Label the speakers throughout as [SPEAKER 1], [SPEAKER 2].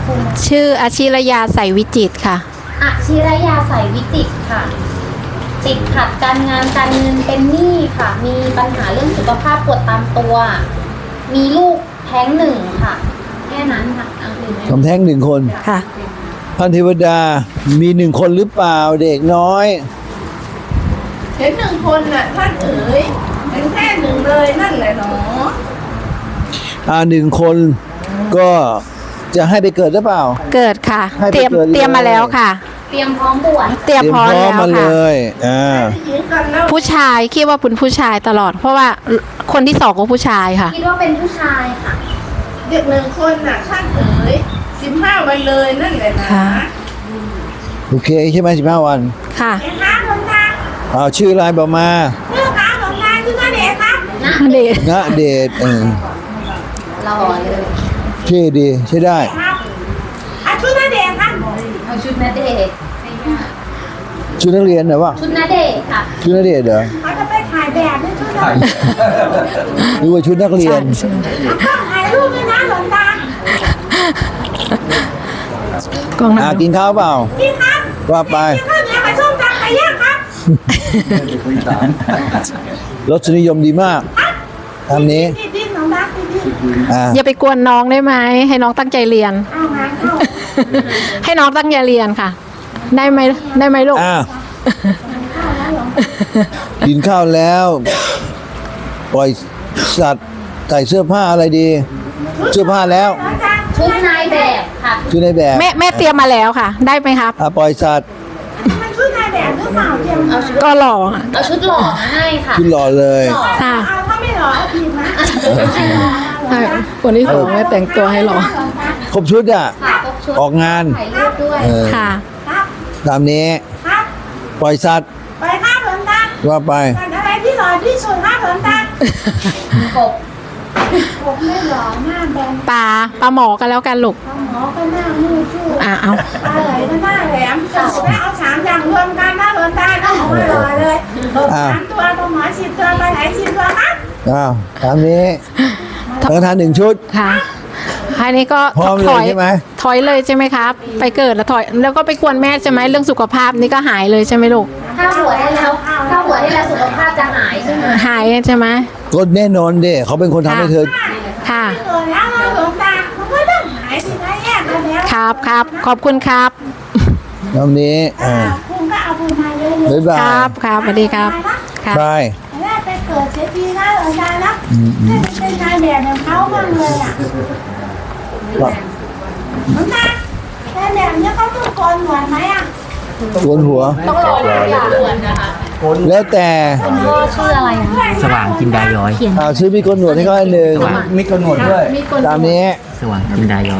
[SPEAKER 1] ชื่ออาชิรยาใสวิจิตรค่ะ
[SPEAKER 2] อาชิรยาใสวิจิตรค่ะ ติดขัดการงานการเงินเป็นหนี้ค่ะ มีปัญหาเรื่องสุขภาพปวดตามตัว มีลูกแท้งหนึ่งค่ะ แค่นั้นค่ะอันอื่นไม่
[SPEAKER 3] ทำแท้ง1 คน
[SPEAKER 1] ค่ะ
[SPEAKER 3] ท่านเทวดามี1 คนหรือเปล่าเด็กน้อย
[SPEAKER 4] เห็น1 คนน่ะท่านเอ๋ยเป็นแค่1เลยนั่นแหละหนอ
[SPEAKER 3] 1 คนก็จะให้ไปเกิดหรือเปล่า
[SPEAKER 1] เกิดค่ะ
[SPEAKER 3] ให้ไป
[SPEAKER 1] เตรียม
[SPEAKER 3] เกิดเลย
[SPEAKER 1] เตรียมมาแล้วค่ะ
[SPEAKER 2] เตรียมพร้อมบวช
[SPEAKER 1] เตรียมพร้อมแล้ว
[SPEAKER 3] มาเล
[SPEAKER 1] ค่ะ
[SPEAKER 3] ย
[SPEAKER 4] ได้ยินกันแล้ว
[SPEAKER 1] ผู้ชายคิดว่าเป็นผู้ชายตลอด เพราะว่าคนที่2ก็ผู้ชายค่ะ
[SPEAKER 2] คิดว่าเป็นผู้ชายค่ะ
[SPEAKER 4] เด็ก1 คนน่ะท่านเอ๋ย15 วันเลยนั่นแหละนะ
[SPEAKER 1] ค่ะ
[SPEAKER 3] โอเคใช่ไหม15 วัน
[SPEAKER 1] ค่ะ
[SPEAKER 4] เห็นคะหลวงตา
[SPEAKER 3] ชื่ออะไรบอกมา
[SPEAKER 4] ชื่อคะหลวงตาชื่อนาเดชครับ
[SPEAKER 1] เด็ก
[SPEAKER 3] ณเดชน์
[SPEAKER 2] รอเลย
[SPEAKER 3] ชื่อดีใช่ได้
[SPEAKER 4] ครับชื่อนาเดชครับ
[SPEAKER 2] เอาชุดณเดชน์
[SPEAKER 3] ชุดนักเรียนเหรอวะ
[SPEAKER 2] ชุดณเดชน์ค่ะ
[SPEAKER 3] ชุดนักเรียนเหรอ
[SPEAKER 4] เขาจะไปถ่ายแบบด้วยชุดนาเดช
[SPEAKER 3] หรือว่าชุดนักเรียน
[SPEAKER 4] ต้องถ่ายรูปด้วยนะหลวงตาก
[SPEAKER 1] ล้องหน้า
[SPEAKER 3] กินข้าวเปล่า
[SPEAKER 4] พี่ครับ
[SPEAKER 3] ว่าไป
[SPEAKER 4] กินข้าวเหนียวกับส้มตำไก่ย่างครับ
[SPEAKER 3] รสนิยมดีมากทำนี้
[SPEAKER 4] ดิ้นหลวงตาดิ้น
[SPEAKER 1] อย่าไปกวนน้องได้ไหมให้น้องตั้งใจเรียน
[SPEAKER 4] เอางานเข้า
[SPEAKER 1] ให้น้องตั้งใจเรียนค่ะ ได้ไหมลูก
[SPEAKER 3] กินข้าวแล้ว ปล่อยสัตว์ใส่เสื้อผ้าอะไรดี เสื้อผ้าแล้ว
[SPEAKER 2] ชุดนายแบบค่ะ
[SPEAKER 3] ชุดในแบบ
[SPEAKER 1] แม่เตรียมมาแล้วค่ะ ได้ไหมครับ
[SPEAKER 3] ปล่อยสัตว์
[SPEAKER 4] มันช่วยนายแบบหรือเปล่าเตรียมเอาชุด
[SPEAKER 1] ก็หล่อค่ะ
[SPEAKER 2] เอาชุดหล่อมาให้ค่ะ
[SPEAKER 3] ชุดหล่อเลย
[SPEAKER 1] ค่ะ
[SPEAKER 4] เอาถ้าไม่หล่อเอาผิดนะ
[SPEAKER 1] ใช่คนที่2ไม่แต่งตัวให้หล่อ
[SPEAKER 3] ครบชุดอ่ะ
[SPEAKER 2] ค่ะครบชุด
[SPEAKER 3] ออกงาน
[SPEAKER 2] ถ่ายรูปด้วย
[SPEAKER 1] ค่ะ
[SPEAKER 4] ครับ
[SPEAKER 3] ตามนี้
[SPEAKER 4] ครับ
[SPEAKER 3] ปล่อยสัตว์
[SPEAKER 4] ไปครับหลวงตา
[SPEAKER 3] ว่าไป
[SPEAKER 4] สัตว์อะไรที่หล่อที่สุดครับหลวงตาก
[SPEAKER 2] บ
[SPEAKER 4] ผมไม่หล่อหน้าแบน
[SPEAKER 1] ปลาหมอกันแล้วกันลูก
[SPEAKER 4] หมอก็หน้ามือชู้
[SPEAKER 1] เอา
[SPEAKER 4] ปลาไหลก็หน้าแหลมแล้วเอา3 อย่างรวมกันนะหลวงตาก็ไม่หล่อเลย3 ตัวปลาหมอ10 ตัวปลาไหล10 ตัวครับ
[SPEAKER 3] ตามนี้สังฆทาน1 ชุด
[SPEAKER 1] ค่ะอันนี้ก็
[SPEAKER 3] พร้อมเลย
[SPEAKER 1] ถอย
[SPEAKER 3] ใช่ไหม
[SPEAKER 1] ถอยเลยใช่ไหมครับ ไปเกิดแล้วถอย แล้วก็ไปกวนแม่ใช่ไหมเรื่องสุขภาพนี่ก็หายเลยใช่ไหมลูก
[SPEAKER 2] ถ้าบวชให้แล้วถ้าบวชให้แล้วสุขภาพจะหายใช่ไหม
[SPEAKER 1] หายใช่ไหม
[SPEAKER 3] ก็แน่นอนเด้เขาเป็นคนทำให้เธอ
[SPEAKER 1] ค่ะ
[SPEAKER 4] เกิดแล้วหลวงตามันก็ต้องหายสินะแยกกันแล้ว
[SPEAKER 1] ครับขอบคุณครับ
[SPEAKER 3] ตามนี้
[SPEAKER 4] คุณก็เอาบุญมาเยอะ
[SPEAKER 3] บ๊ายบาย
[SPEAKER 1] ครับสวัสดีครับครับ
[SPEAKER 3] บาย
[SPEAKER 4] ๆแล้วไปเกิดเสียทีนะหลวงตานะเป็นนายแบบของเขาบ้างเลยอ่ะหลวงตานายแบบเนี้ยเขาต้องโกนหนวดไหมอ่ะ
[SPEAKER 3] โกนหัว
[SPEAKER 2] ต้องรออย่างบวชนะคะ
[SPEAKER 3] แล้วแต่
[SPEAKER 2] พ่อชื่ออะไรอ่ะ
[SPEAKER 5] สว่างจินดาย้อย
[SPEAKER 3] ซื้อมีโกนหนวดให้เขาอันหนึ่ง
[SPEAKER 6] มีกำหนดด้วย
[SPEAKER 3] ตามนี้
[SPEAKER 5] สว่างจินดาย้อย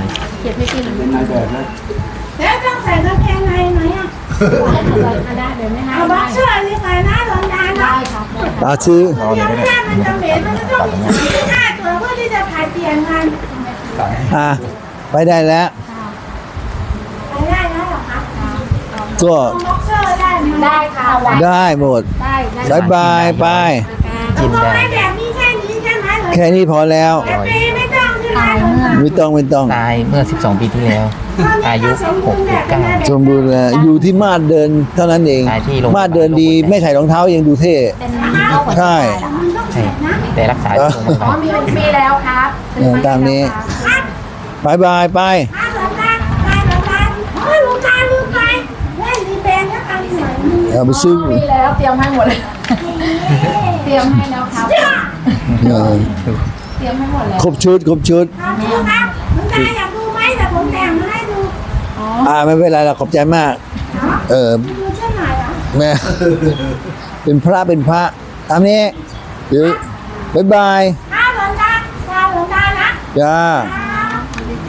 [SPEAKER 4] แล้วต้องใส่กางเกงในไหมอ่ะเอาบ็อกเซอร์นี่ไปนะหลวงตานะ
[SPEAKER 3] ซื้อ
[SPEAKER 4] เดี๋ยวแม่มันจะเหม็นมันจะต้องมี5 ตัวเพื่อที่จะผลัดเปลี่ยนกัน
[SPEAKER 3] ไปได้แล้ว
[SPEAKER 4] ไปได้แล้วเหรอคะ
[SPEAKER 3] ก็
[SPEAKER 4] บ็อกเซอร์ได้ไหม
[SPEAKER 2] ได้ค่ะ
[SPEAKER 3] ได้หมดบายบายไป
[SPEAKER 4] ตกลงให้แบบนี้แค่นี้ใช่ไหมเหรอ
[SPEAKER 3] แค่นี้พอแล้ว
[SPEAKER 4] แต่เปย์ไม่ต้องใช่ไหมหลวงตา
[SPEAKER 3] ไม่ต้อง
[SPEAKER 5] ตายเมื่อ 12 ปีที่แล้ว อายุ6-9
[SPEAKER 3] สมบูรณ์แล้วอยู่ที่มาดเดินเท่านั้นเอง
[SPEAKER 5] ตายที่โรงพยาบาล
[SPEAKER 3] มาดเดินดีไม่ใส่รองเท้ายังดูเท่
[SPEAKER 2] เป็นโรคหัวใจ
[SPEAKER 3] ใช่
[SPEAKER 5] ใช่แต่รักษาอยู่โรงพยาบาล
[SPEAKER 2] มีแล้วครับ
[SPEAKER 3] ตามนี้บายบายไป
[SPEAKER 4] ถ้าหลวงตาไปหลวงตาโอ้ยหลวงตาลืมไปเล่นรีเบนแล้วกันหน่อยนึง
[SPEAKER 3] เอาไปซื้อ
[SPEAKER 1] มีแล้วเตรียมให้หมดเลย เตรียมให้แล้วครับ
[SPEAKER 3] เออ
[SPEAKER 1] เตรียมให้หมดแล้ว
[SPEAKER 3] ครบชุด
[SPEAKER 4] ครับดูครับหลวงตาอยากดูไหมแต่ผมแต่งมาให้ดู
[SPEAKER 3] ไม่เป็นไรหรอกขอบใจมาก
[SPEAKER 4] ดูเช่นไหนอ่ะ
[SPEAKER 3] แม่ เป็นพระตามนี้เดี๋ยวบายบาย
[SPEAKER 4] ถ้าหลวงตานะ
[SPEAKER 3] จ้า
[SPEAKER 4] จ้า